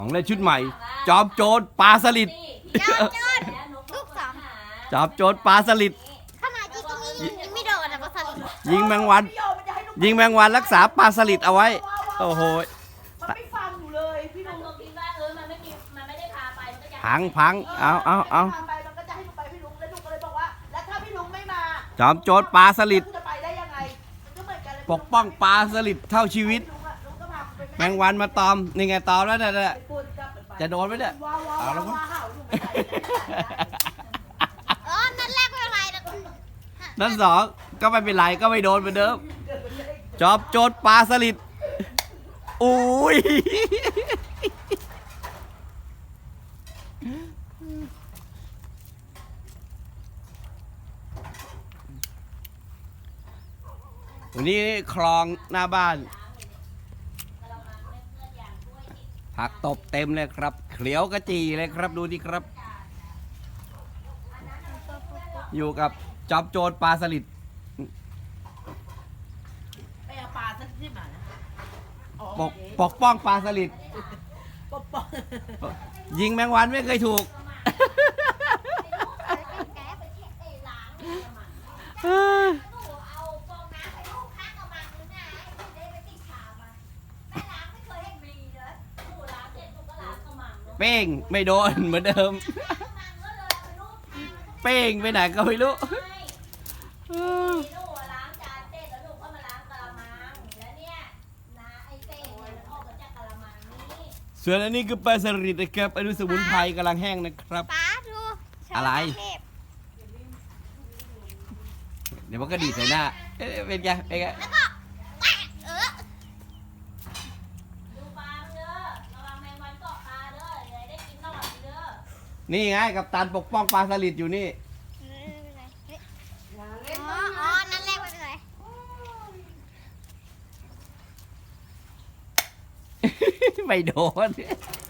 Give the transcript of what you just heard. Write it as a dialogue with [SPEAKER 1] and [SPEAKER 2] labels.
[SPEAKER 1] ของเล่นชุดใหม่จอมโจรปลาสลิด
[SPEAKER 2] จอมโจรลูกสอง
[SPEAKER 1] จอมโจรปลาสลิด
[SPEAKER 2] ขนาดจริงๆยังไม่โดนนะปลาสลิด
[SPEAKER 1] ยิงแมงวันยิงแมงวันรักษาปลาสลิดเอาไว้โอ้โห
[SPEAKER 3] มันไม่ฟังอยู่เลยพี่ลุง
[SPEAKER 4] คิดว่ามันไม่ได้พาไปมันก็จะ
[SPEAKER 1] พังเอา
[SPEAKER 3] พาไปมันก็จะให้ลุงไปพี่ลุงแล้วลุงก็เลยบอกว่าแล้วถ้าพี่ลุงไม่มา
[SPEAKER 1] จอมโจรปลาสลิด
[SPEAKER 3] จะไปได้ยังไงมันก็เหมือนกันเลย
[SPEAKER 1] ปกป้องปลาสลิดเท่าชีวิต
[SPEAKER 3] ลุงก็พาไป
[SPEAKER 1] แมงวันมาตอมนี่ไงตอมแล้วเนี่ยจะโดนไหมเนี่ย
[SPEAKER 3] เอาแล้วก็
[SPEAKER 2] นั่นแรกไม่เป็นไร
[SPEAKER 1] นั่นสองก็ไม่เป็นไรก็ไม่โดนเหมือนเดิมจอมโจรปลาสลิดอุ้ยวันนี้คลองหน้าบ้านผักตบเต็มเลยครับเขียวกระจีเลยครับดูดิครับอยู่กับจอมโจรปลาสลิด
[SPEAKER 3] ไปเอาปลาสักที่มานะ
[SPEAKER 1] ปกป้องปลาสลิด
[SPEAKER 3] ปกป้อง
[SPEAKER 1] ยิงแมงวันไม่เคยถูกเป้งไม่โดนเหมือนเดิมเป้งไปไหนก็ไม่รู้ส่วนอันนี้คือปลาสลิดนะครับอนุสมุนไพรกำลังแห้งนะครับ
[SPEAKER 2] ป้าดู
[SPEAKER 1] อะไรเดี๋ยวมันก็ดีใส่หน้าเป็นไงเป็นไง
[SPEAKER 2] แล้วก็
[SPEAKER 1] นี่ไงกับตันปกป้องปลาสลิดอยู่นี่
[SPEAKER 2] นั่นแรกไม่เป็นไร
[SPEAKER 1] ไม่โดน